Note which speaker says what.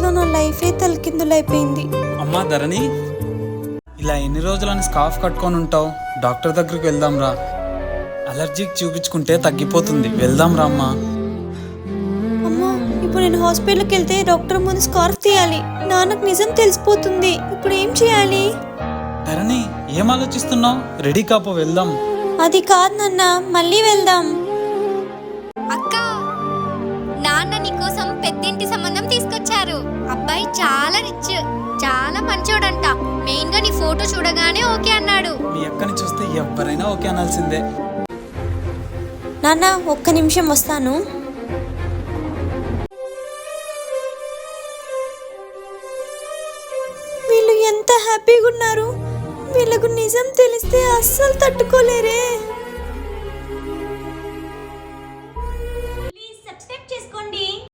Speaker 1: నా లైఫే తలకిందులైపోయింది.
Speaker 2: అమ్మా ధరణి, ఇలా ఎన్ని రోజులని స్కార్ఫ్ కట్టుకొని ఉంటావు? డాక్టర్ దగ్గరికి వెళ్దాం రా. అలర్జీకి చూపించుకుంటే తగ్గిపోతుంది. వెళ్దాం రా అమ్మా.
Speaker 1: అమ్మా, ఇప్పుడు నేను హాస్పిటల్కి వెళ్తే డాక్టర్ ముందు స్కార్ఫ్ తీయాలి. నాన్నకు నిజం తెలిసిపోతుంది. ఇప్పుడు ఏం చేయాలి?
Speaker 2: ధరణి, ఏం ఆలోచిస్తున్నావు? రెడీ కాపో, వెళ్దాం.
Speaker 1: అది కాదు నాన్న, మళ్ళీ వెళ్దాం.
Speaker 3: అక్క, నాన్న నీకోసం పెద్దింటి సంబంధం తీసుకొచ్చారు. అబ్బాయి చాలా రిచ్, చాలా మంచోడంట. మెయిన్ గా నీ ఫోటో చూడగానే ఓకే అన్నాడు.
Speaker 2: మీ అక్కని చూస్తే ఎవరైనా ఓకే అనాల్సిందే.
Speaker 1: నాన్న, ఒక్క నిమిషం వస్తాను. వీళ్ళు ఎంత హ్యాపీగా ఉన్నారు. వీళ్ళకు నిజం తెలిస్తే అస్సలు తట్టుకోలేరే.